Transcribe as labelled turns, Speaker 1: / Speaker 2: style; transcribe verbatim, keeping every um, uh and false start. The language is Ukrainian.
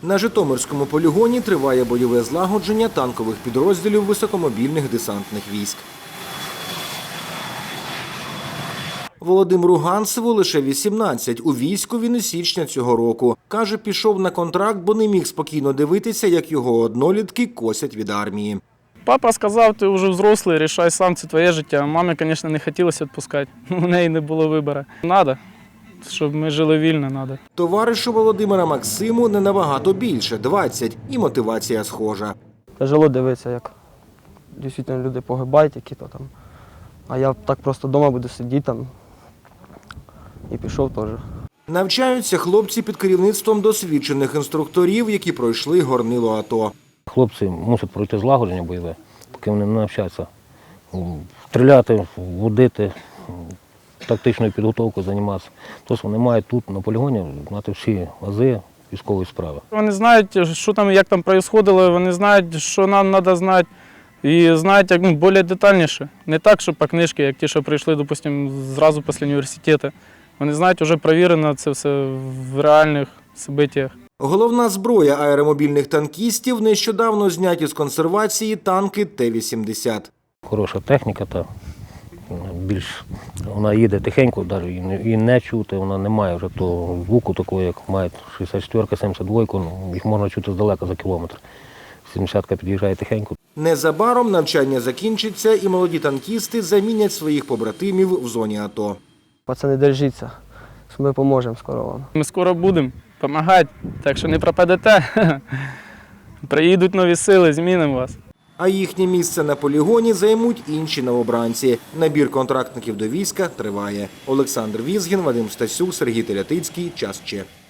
Speaker 1: На Житомирському полігоні триває бойове злагодження танкових підрозділів високомобільних десантних військ. Володимиру Ганцеву лише вісімнадцять. У війську він із січня цього року. Каже, пішов на контракт, бо не міг спокійно дивитися, як його однолітки косять від армії.
Speaker 2: Папа сказав, ти вже взрослий, рішай сам, це твоє життя. Мамі, звісно, не хотілося відпускати. У неї не було вибору. Треба, щоб ми жили вільно, треба.
Speaker 1: Товаришу Володимира Максиму не набагато більше – двадцять. І мотивація схожа.
Speaker 3: Тяжело дивитися, як дійсно люди погибають, які-то там. А я так просто вдома буду сидіти там і пішов теж.
Speaker 1: Навчаються хлопці під керівництвом досвідчених інструкторів, які пройшли горнило АТО.
Speaker 4: Хлопці мусять пройти злагодження бойове, поки вони не навчаться стріляти, водити, тактичною підготовкою займатися. Тобто вони мають тут на полігоні знати всі ази військової справи.
Speaker 2: Вони знають, що там, як там відбувалося, вони знають, що нам треба знати. І знають, як, ну, більш детальніше. Не так, що по книжці, як ті, що прийшли, допустим, зразу після університету. Вони знають, вже перевірено це все в реальних событиях.
Speaker 1: Головна зброя аеромобільних танкістів – нещодавно зняті з консервації танки Т вісімдесят.
Speaker 4: Хороша техніка, та більш вона їде тихенько, навіть і не чути, вона не має вже того звуку такого, як мають шістдесят чотири, сімдесят два, ну, їх можна чути здалека за кілометр. сімдесятка під'їжджає тихенько.
Speaker 1: Незабаром навчання закінчиться і молоді танкісти замінять своїх побратимів в зоні АТО.
Speaker 3: Пацани, держіться, ми поможемо скоро вам.
Speaker 2: Ми скоро будемо допомагати, так що не пропадете. Приїдуть нові сили, змінимо вас.
Speaker 1: А їхнє місце на полігоні займуть інші новобранці. Набір контрактників до війська триває. Олександр Візгін, Вадим Стасюк, Сергій Телятицький. Час Че.